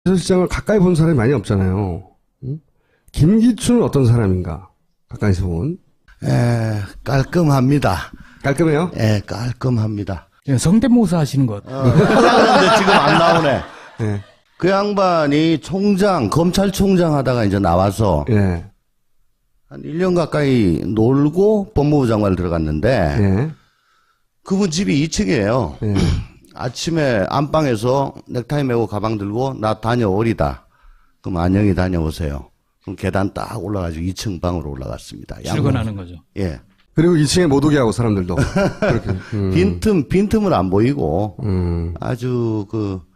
비서실장을 가까이 본 사람이 많이 없잖아요. 응? 김기춘은 어떤 사람인가? 가까이서 본. 깔끔합니다. 깔끔해요? 예, 깔끔합니다. 성대모사 하시는 것. 그런데 지금 안 나오네. 예. 그 양반이 검찰총장 하다가 이제 나와서 예. 한 1년 가까이 놀고 법무부 장관을 들어갔는데 예. 그분 집이 2층이에요. 예. 아침에 안방에서 넥타이 메고 가방 들고 나 다녀오리다. 그럼 안녕히 다녀오세요. 그럼 계단 딱 올라가지고 2층 방으로 올라갔습니다. 출근하는 거죠. 예. 그리고 2층에 못 오게 하고 사람들도. 그렇게. 빈틈을 안 보이고 아주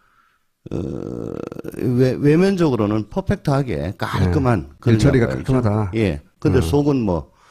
외면적으로는 퍼펙트하게 깔끔한 그런 일처리가 양반이죠. 깔끔하다. 예. 근데 속은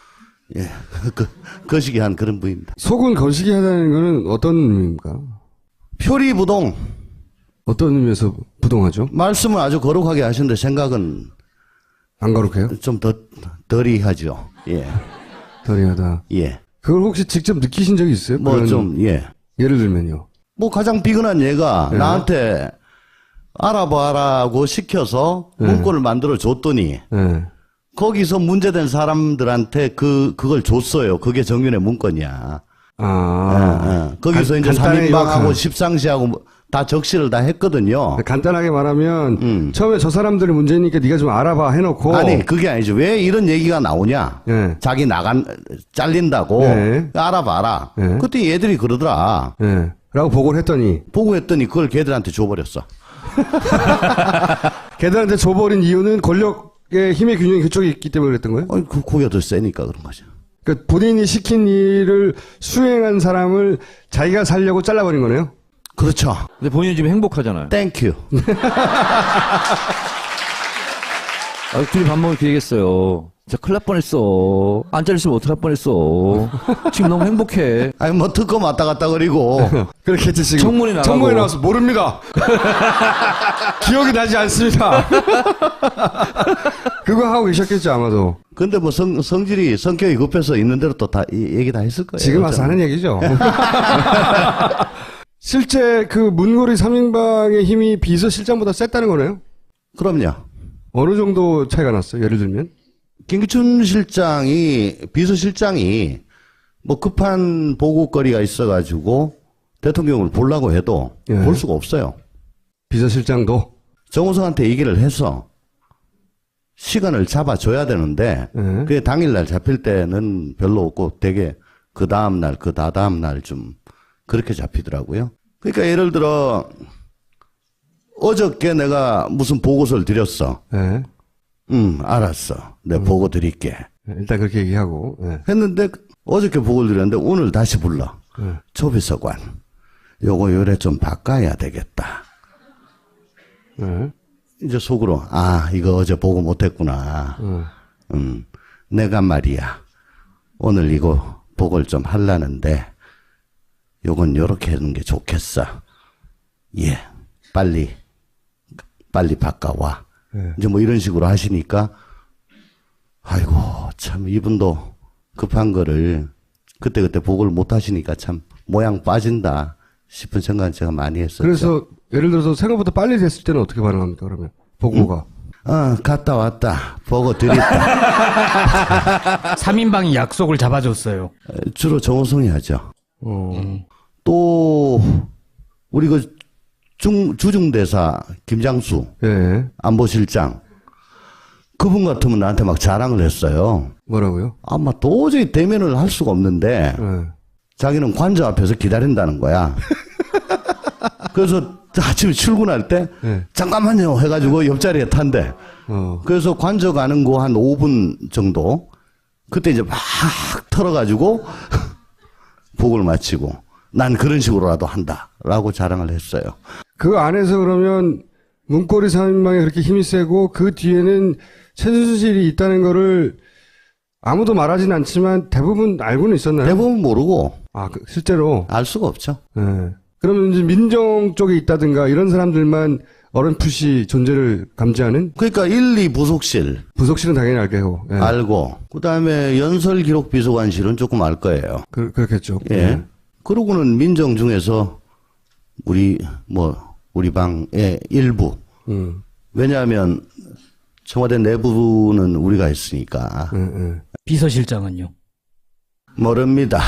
거시기한 그런 부입니다. 속은 거시기 하다는 거는 어떤 의미입니까? 표리부동. 어떤 의미에서 부동하죠? 말씀을 아주 거룩하게 하시는데 생각은 안 거룩해요? 좀 덜이 하죠. 예. 덜이하다. 예. 그걸 혹시 직접 느끼신 적이 있어요? 예. 예를 들면요. 가장 비근한 얘가 나한테 알아봐라고 시켜서 문구를 만들어 줬더니 예. 거기서 문제된 사람들한테 그걸 줬어요. 그게 정윤의 문건이야. 거기서 이제 간단히 3인방하고 십상시하고 다 적시를 다 했거든요. 간단하게 말하면 처음에 저 사람들이 문제니까 네가 좀 알아봐 해놓고 아니 그게 아니죠. 왜 이런 얘기가 나오냐. 예. 자기 잘린다고 네. 알아봐라. 네. 그때 얘들이 그러더라. 예. 라고 보고를 했더니 보고했더니 그걸 걔들한테 줘버렸어. 걔들한테 줘버린 이유는 권력의 힘의 균형이 그쪽에 있기 때문에 그랬던 거예요? 고기가 더 세니까 그런 거죠. 그러니까 본인이 시킨 일을 수행한 사람을 자기가 살려고 잘라버린 거네요? 그렇죠. 근데 본인은 지금 행복하잖아요. 땡큐. 둘이 밥 먹을 기회겠어요. 진짜 큰일 날 뻔했어. 안 잘렸으면 어떡할 뻔했어. 지금 너무 행복해. 아니 특검 왔다 갔다 그리고 그렇겠지 지금. 청문회 나가고. 청문회 나와서 모릅니다. 기억이 나지 않습니다. 그거 하고 계셨겠죠 아마도. 근데 성격이 급해서 있는 대로 또 다 얘기 다 했을 거예요. 지금 와서 하는 얘기죠. 실제 그 문고리 3인방의 힘이 비서실장보다 셌다는 거네요? 그럼요. 어느 정도 차이가 났어요? 예를 들면? 김기춘 비서실장이 급한 보고거리가 있어가지고 대통령을 보려고 해도 예. 볼 수가 없어요. 비서실장도? 정호성한테 얘기를 해서 시간을 잡아줘야 되는데 예. 그게 당일날 잡힐 때는 별로 없고 되게 그 다음날 그 다다음날 좀 그렇게 잡히더라고요. 그러니까 예를 들어 어저께 내가 무슨 보고서를 드렸어. 예. 알았어. 내가 보고 드릴게. 일단 그렇게 얘기하고. 예. 했는데 어저께 보고를 드렸는데 오늘 다시 불러. 조비서관. 요거 요래 좀 바꿔야 되겠다. 예. 이제 속으로 이거 어제 보고 못했구나. 내가 말이야. 오늘 이거 보고를 좀 하려는데 요건 요렇게 하는 게 좋겠어. 예. 빨리 바꿔와. 예. 이제 이런 식으로 하시니까 아이고 참 이분도 급한 거를 그때그때 보고를 못 하시니까 참 모양 빠진다 싶은 생각은 제가 많이 했었죠. 그래서 예를 들어서 생각보다 빨리 됐을 때는 어떻게 반응합니까 그러면? 보고가. 갔다 왔다. 보고 드렸다. 3인방이 약속을 잡아줬어요. 주로 정호성이 하죠. 어. 또 우리 주중대사 김장수 예. 안보실장 그분 같으면 나한테 막 자랑을 했어요. 뭐라고요? 아마 도저히 대면을 할 수가 없는데 예. 자기는 관저 앞에서 기다린다는 거야. 그래서 아침에 출근할 때 네. 잠깐만요 해가지고 옆자리에 탄대. 그래서 관저 가는 거 한 5분 정도 그때 이제 막 털어가지고 보고를 마치고 난 그런 식으로라도 한다라고 자랑을 했어요. 그 안에서 그러면 문고리 3인방이 그렇게 힘이 세고 그 뒤에는 최순실이 있다는 거를 아무도 말하진 않지만 대부분 알고는 있었나요? 대부분 모르고 실제로 알 수가 없죠. 예. 그러면 이제 민정 쪽에 있다든가 이런 사람들만 어렴풋이 존재를 감지하는? 그러니까 1, 2 부속실은 당연히 알게요. 예. 알고 그다음에 연설기록비서관실은 조금 알 거예요. 그렇겠죠. 예. 그러고는 민정 중에서 우리 방의 일부 왜냐하면 청와대 내부는 우리가 있으니까. 비서실장은요? 모릅니다.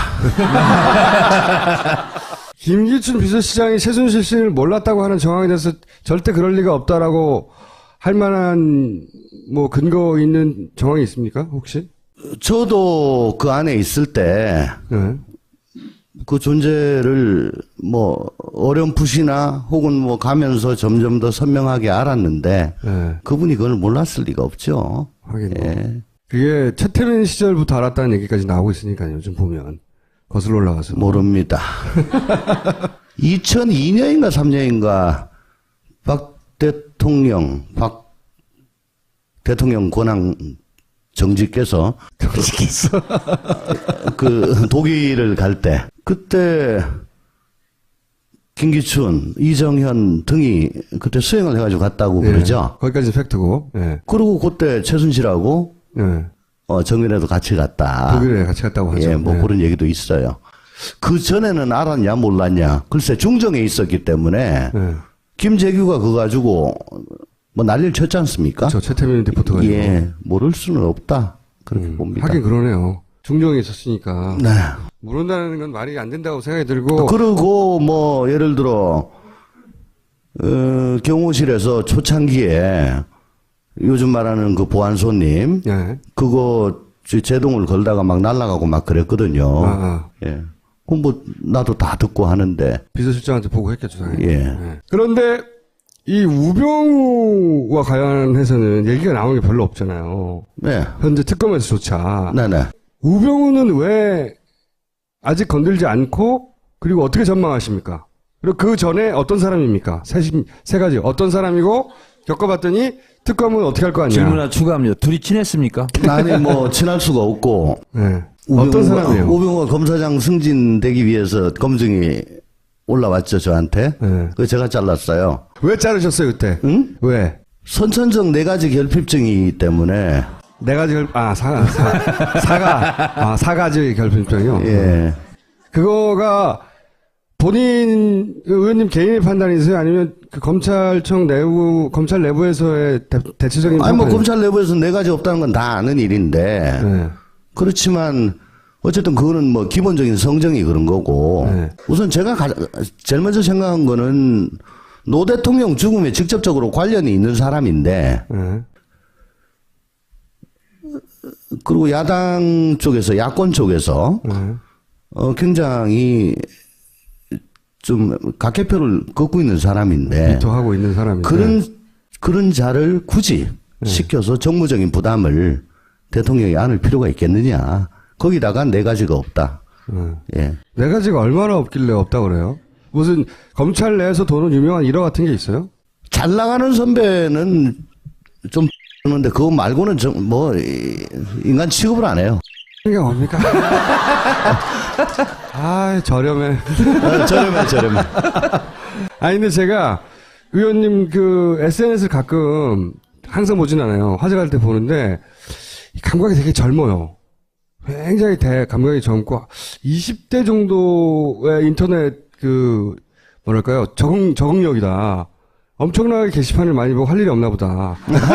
김기춘 비서실장이 최순실 씨를 몰랐다고 하는 정황에 대해서 절대 그럴 리가 없다라고 할 만한 뭐 근거 있는 정황이 있습니까? 혹시? 저도 그 안에 있을 때 그 존재를 뭐 어렴풋이나 혹은 뭐 가면서 점점 더 선명하게 알았는데 그분이 그걸 몰랐을 리가 없죠. 하긴 뭐. 그게 최태민 시절부터 알았다는 얘기까지 나오고 있으니까요. 요즘 보면 거슬러 올라가서. 모릅니다. 2002년인가 3년인가 박 대통령 권한 정직께서 그 독일을 갈 때 그때 김기춘, 이정현 등이 그때 수행을 해가지고 갔다고 그러죠. 거기까지 팩트고. 예. 그리고 그때 최순실하고 정윤회도 같이 갔다. 독일에 같이 갔다고 하죠. 예, 뭐 그런 얘기도 있어요. 그 전에는 알았냐 몰랐냐. 글쎄 중정에 있었기 때문에 김재규가 그거 가지고 뭐 난리를 쳤지 않습니까? 저 최태민 리포터가. 예, 모를 수는 없다. 그렇게 봅니다. 하긴 그러네요. 중정에 있었으니까. 네. 모른다는 건 말이 안 된다고 생각이 들고. 그리고 뭐 예를 들어 경호실에서 초창기에 요즘 말하는 그 보안소님 그거 제동을 걸다가 막 날아가고 막 그랬거든요. 예. 그럼 뭐 나도 다 듣고 하는데 비서실장한테 보고했겠죠, 당연히. 예. 그런데 이 우병우와 관련해서는 얘기가 나오는 게 별로 없잖아요. 네. 현재 특검에서조차. 네네. 우병우는 왜 아직 건들지 않고 그리고 어떻게 전망하십니까? 그리고 그 전에 어떤 사람입니까? 세 가지. 어떤 사람이고 겪어봤더니 특검은 어떻게 할 거 아니야? 질문 하나 추가합니다. 둘이 친했습니까? 아니 뭐 친할 수가 없고 네. 어떤 사람이에요? 우병우가 검사장 승진되기 위해서 검증이 올라왔죠 저한테. 그거 제가 잘랐어요. 왜 자르셨어요 그때? 응? 왜? 선천적 4가지 결핍증이기 때문에. 4가지 사가지 결핍증이요. 예. 그거가 본인 의원님 개인의 판단이세요? 아니면 그 검찰 내부에서의 대체적인 아니 뭐 판단이세요? 검찰 내부에서 4가지 없다는 건 다 아는 일인데. 그렇지만 어쨌든 그거는 뭐 기본적인 성정이 그런 거고. 우선 제가 제일 먼저 생각한 거는 노 대통령 죽음에 직접적으로 관련이 있는 사람인데. 그리고 야당 쪽에서 야권 쪽에서 굉장히 좀 각개표를 걷고 있는 사람인데 비토하고 있는 사람인데 그런 자를 굳이 시켜서 정무적인 부담을 대통령이 안을 필요가 있겠느냐. 거기다가 4가지가 없다. 예. 4가지가 얼마나 없길래 없다고 그래요? 무슨 검찰 내에서 도는 유명한 일화 같은 게 있어요? 잘 나가는 선배는 좀 그런데 그거 말고는 뭐 인간 취급을 안 해요. 이게 뭡니까? 아, 저렴해. 저렴해. 아니, 근데 제가 의원님 그 SNS를 가끔 항상 보진 않아요. 화제갈 때 보는데 감각이 되게 젊어요. 굉장히 감각이 젊고 20대 정도의 인터넷 뭐랄까요? 적응력이다. 엄청나게 게시판을 많이 보고 할 일이 없나 보다.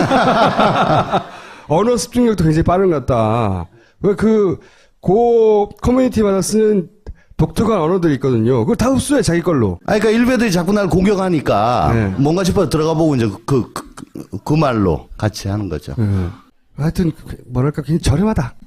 언어 습득력도 굉장히 빠른 것 같다. 왜 커뮤니티마다 쓰는 독특한 언어들이 있거든요. 그걸 다 흡수해, 자기 걸로. 그러니까 일베들이 자꾸 날 공격하니까 뭔가 싶어서 들어가 보고 이제 그 말로 같이 하는 거죠. 하여튼, 뭐랄까, 굉장히 저렴하다.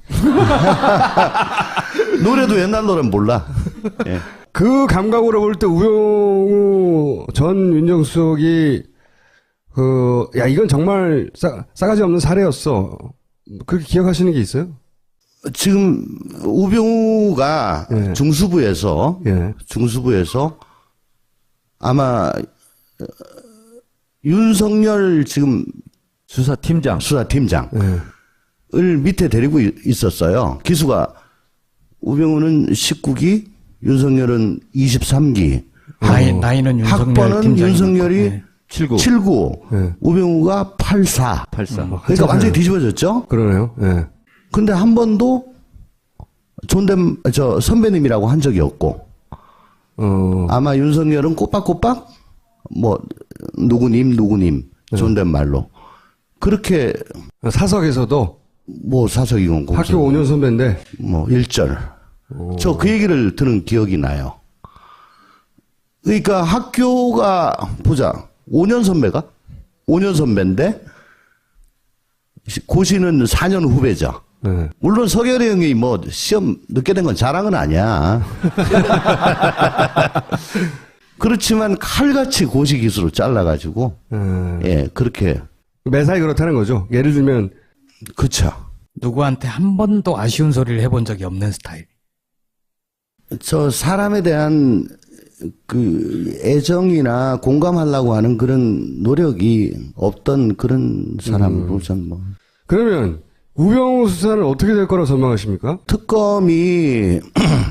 노래도 옛날 노래는 몰라. 예. 그 감각으로 볼 때 우병우 전 민정수석이 이건 정말 싸가지 없는 사례였어. 그렇게 기억하시는 게 있어요? 지금 우병우가 중수부에서 아마 윤석열 지금 수사팀장을 밑에 데리고 있었어요. 기수가 우병우는 19기, 윤석열은 23기. 나이는 학번은 윤석열이 79. 우병우가 84. 그러니까 완전히 뒤집어졌죠? 그러네요. 예. 근데 한 번도 선배님이라고 한 적이 없고. 아마 윤석열은 꼬박꼬박, 누구님, 존댓말로. 그렇게 사석에서도 뭐 사석이건 학교 5년 선배인데 뭐 1절. 저 그 얘기를 들은 기억이 나요. 그러니까 학교가 보자. 5년 선배가? 5년 선배인데 고시는 4년 후배죠. 네. 물론 서결이 형이 뭐 시험 늦게 된 건 자랑은 아니야. 그렇지만 칼같이 고시 기수로 잘라가지고 예 그렇게 매사에 그렇다는 거죠. 예를 들면 그쵸. 누구한테 한 번도 아쉬운 소리를 해본 적이 없는 스타일. 저 사람에 대한 그 애정이나 공감하려고 하는 그런 노력이 없던 그런 사람으로 전 뭐. 그러면 우병우 수사는 어떻게 될 거라고 전망하십니까? 특검이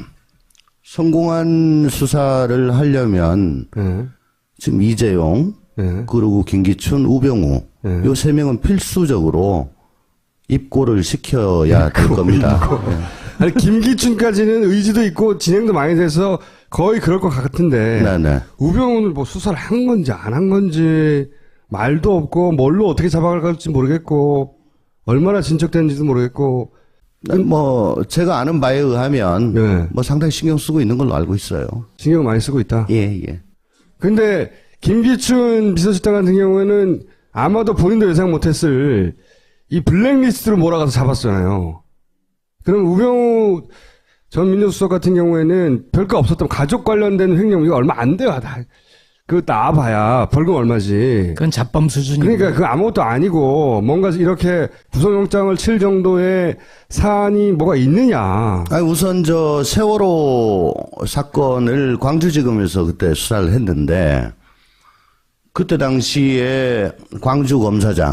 성공한 수사를 하려면 네. 지금 이재용 네. 그리고 김기춘, 우병우 네. 요 세 명은 필수적으로 입고를 시켜야 될 겁니다. 아니 김기춘까지는 의지도 있고 진행도 많이 돼서 거의 그럴 것 같은데 네네. 우병우는 뭐 수사를 한 건지 안 한 건지 말도 없고 뭘로 어떻게 잡아갈지 모르겠고 얼마나 진척되는지도 모르겠고 뭐 제가 아는 바에 의하면 네. 뭐 상당히 신경 쓰고 있는 걸로 알고 있어요. 신경 많이 쓰고 있다. 예 예. 근데 김기춘 비서실장 같은 경우에는 아마도 본인도 예상 못했을 이 블랙리스트로 몰아가서 잡았잖아요. 그럼 우병우 전 민정수석 같은 경우에는 별거 없었던 가족 관련된 횡령 이거 얼마 안 돼요. 그거 나와봐야 벌금 얼마지. 그건 잡범 수준이고. 그러니까 그 아무것도 아니고 뭔가 이렇게 구속영장을 칠 정도의 사안이 뭐가 있느냐. 아니 우선 저 세월호 사건을 광주지검에서 그때 수사를 했는데 그때 당시에 광주 검사장이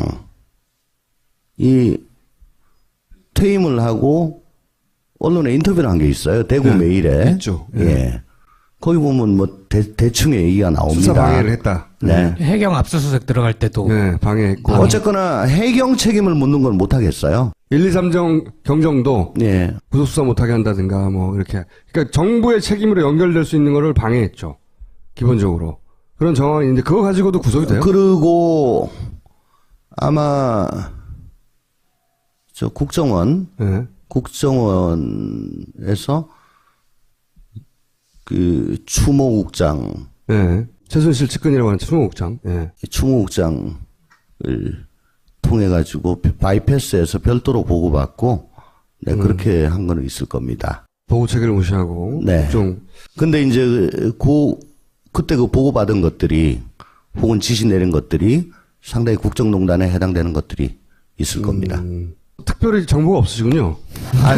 퇴임을 하고 언론에 인터뷰를 한 게 있어요. 대구 네, 메일에. 있죠. 네. 예. 거기 보면 뭐 대충의 얘기가 나옵니다. 수사 방해를 했다. 네. 해경 압수수색 들어갈 때도 네, 방해했고. 어쨌거나 해경 책임을 묻는 건 못하겠어요. 1, 2, 3정 경정도 예. 구속수사 못하게 한다든가 뭐 이렇게. 그러니까 정부의 책임으로 연결될 수 있는 거를 방해했죠. 기본적으로. 그런 정황이 있는데 그거 가지고도 구속이 돼요? 그리고 아마 저 국정원 네. 국정원에서 그 추모국장, 네. 최순실 측근이라고 하는 추모국장. 네. 추모국장을 통해 가지고 바이패스에서 별도로 보고받고 네, 그렇게 한 거는 있을 겁니다. 보고 체계를 무시하고. 네. 국정. 근데 이제 그때 그 보고받은 것들이 혹은 지시 내린 것들이 상당히 국정농단에 해당되는 것들이 있을 겁니다. 특별히 정보가 없으시군요. 아니,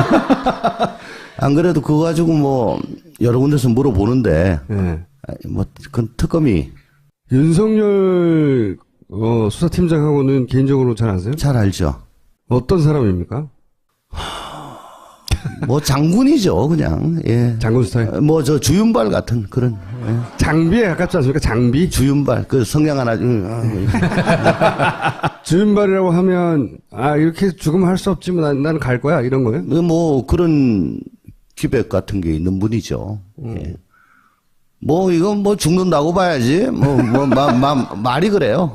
안 그래도 그거 가지고 뭐 여러 군데서 물어보는데 네. 뭐 그건 특검이 윤석열 수사팀장하고는 개인적으로 잘 아세요? 잘 알죠. 어떤 사람입니까? 뭐 장군이죠, 그냥. 예. 장군 스타일. 뭐 저 주윤발 같은 그런 예. 장비에 가깝지 않습니까? 장비? 주윤발 그 성냥 하나 주윤발이라고 하면 이렇게 죽으면 할 수 없지만 나는 갈 거야 이런 거예요? 뭐 그런 기백 같은 게 있는 분이죠. 예. 뭐 이건 뭐 죽는다고 봐야지. 말이 그래요.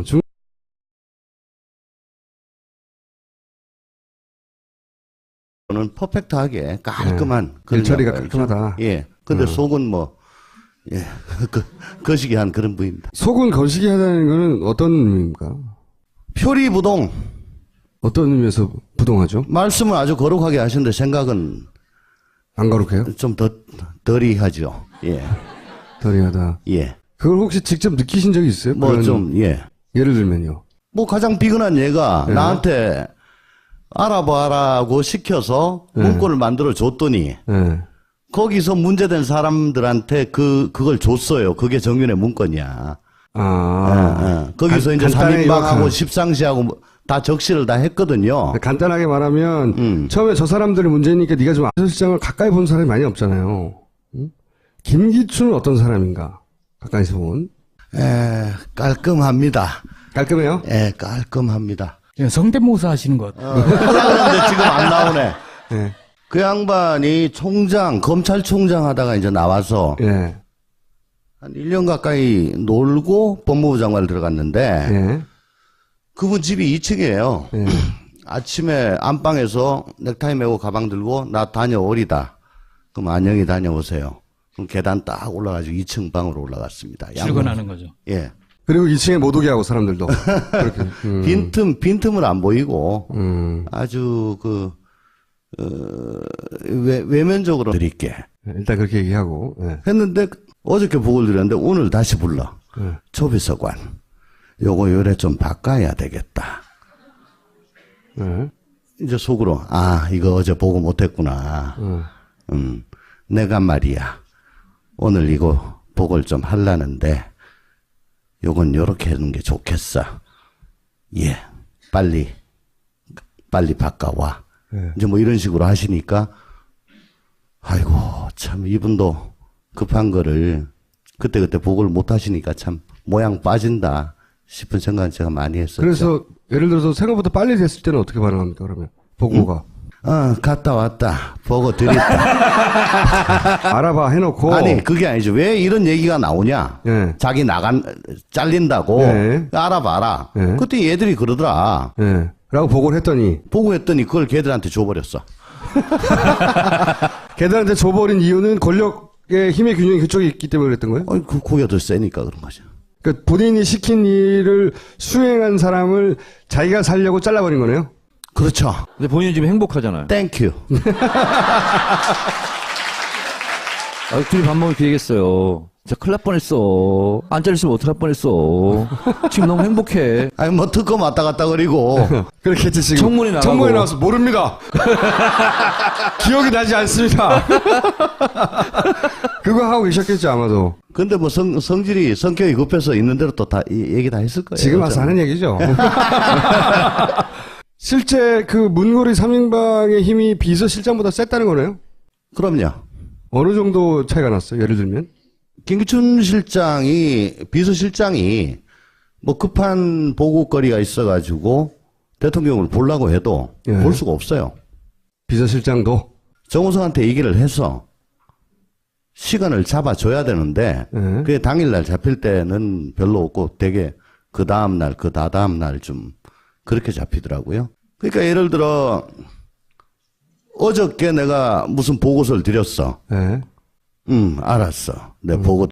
는 퍼펙트하게 깔끔한 그런 일처리가 양반이죠. 깔끔하다. 예. 근데 속은 뭐 예. 거시기한 그런 분입니다. 속은 거시기 하다는 거는 어떤 의미입니까? 표리부동. 어떤 의미에서 부동하죠? 말씀을 아주 거룩하게 하시는데 생각은 안 거룩해요? 좀 덜이 하죠. 예. 덜이하다. 예. 그걸 혹시 직접 느끼신 적이 있어요? 뭐 그런- 좀 예. 예를 들면요. 뭐 가장 비근한 얘가 네. 나한테 알아봐라고 시켜서 문건을 만들어 줬더니 네. 거기서 문제된 사람들한테 그걸 줬어요. 그게 정윤의 문건이야. 거기서 이제 간단히 3인방하고 요약하면- 십상시하고 다 적시를 다 했거든요. 간단하게 말하면 처음에 저 사람들이 문제니까 네가 좀 비서실장을 가까이 본 사람이 많이 없잖아요. 응? 김기춘은 어떤 사람인가? 가까이서 본. 깔끔합니다. 깔끔해요? 깔끔합니다. 성대모사 하시는 것. 그런데 지금 안 나오네. 네. 그 양반이 검찰총장 하다가 이제 나와서 예. 한 1년 가까이 놀고 법무부 장관을 들어갔는데 예. 그분 집이 2층이에요. 예. 아침에 안방에서 넥타이 메고 가방 들고 나 다녀오리다. 그럼 안녕히 다녀오세요. 그럼 계단 딱 올라가지고 2층 방으로 올라갔습니다. 출근하는 거죠. 예. 그리고 2층에 못 오게 하고 사람들도 그렇게. 빈틈을 안 보이고 아주 외면적으로 드릴게. 일단 그렇게 얘기하고. 예. 했는데 어저께 보고를 드렸는데 오늘 다시 불러. 조비서관. 요거 요래 좀 바꿔야 되겠다. 예. 이제 속으로 이거 어제 보고 못했구나. 내가 말이야 오늘 이거 보고를 좀 하려는데 요건 요렇게 하는 게 좋겠어. 예, 빨리 바꿔와. 예. 이제 뭐 이런 식으로 하시니까 아이고 참 이분도 급한 거를 그때 보고를 못 하시니까 참 모양 빠진다 싶은 생각은 제가 많이 했었죠. 그래서 예를 들어서 생각보다 빨리 됐을 때는 어떻게 반응합니까, 그러면? 보고가. 갔다 왔다. 보고 드렸다. 알아봐 해놓고. 아니, 그게 아니죠. 왜 이런 얘기가 나오냐? 예. 자기 잘린다고. 예. 알아봐라. 예. 그때 얘들이 그러더라. 예. 라고 보고를 했더니. 보고했더니 그걸 걔들한테 줘버렸어. 걔들한테 줘버린 이유는 권력의 힘의 균형이 그쪽에 있기 때문에 그랬던 거예요? 고기가 더 세니까 그런 거죠. 그러니까 본인이 시킨 일을 수행한 사람을 자기가 살려고 잘라버린 거네요? 그렇죠. 근데 본인은 지금 행복하잖아요. 땡큐. 둘이 밥 먹을 기회겠어요. 진짜 큰일 날 뻔했어. 안 잘렸으면 어떡할 뻔했어. 지금 너무 행복해. 아니, 뭐 특검 왔다 갔다 그리고. 그렇겠지, 지금. 청문회 나가고. 청문회 나와서 모릅니다. 기억이 나지 않습니다. 그거 하고 계셨겠죠, 아마도. 근데 뭐 성격이 급해서 있는 대로 또 다 얘기 다 했을 거예요. 지금 와서 하는 얘기죠. 실제 그 문고리 3인방의 힘이 비서실장보다 셌다는 거네요? 그럼요. 어느 정도 차이가 났어요? 예를 들면? 김기춘 비서실장이 뭐 급한 보고거리가 있어가지고 대통령을 보려고 해도 예. 볼 수가 없어요. 비서실장도? 정우성한테 얘기를 해서 시간을 잡아줘야 되는데 예. 그게 당일날 잡힐 때는 별로 없고 되게 그 다음날 그 다다음날 좀 그렇게 잡히더라고요. 그러니까 예를 들어 어저께 내가 무슨 보고서를 드렸어. 예. 알았어. 내 보고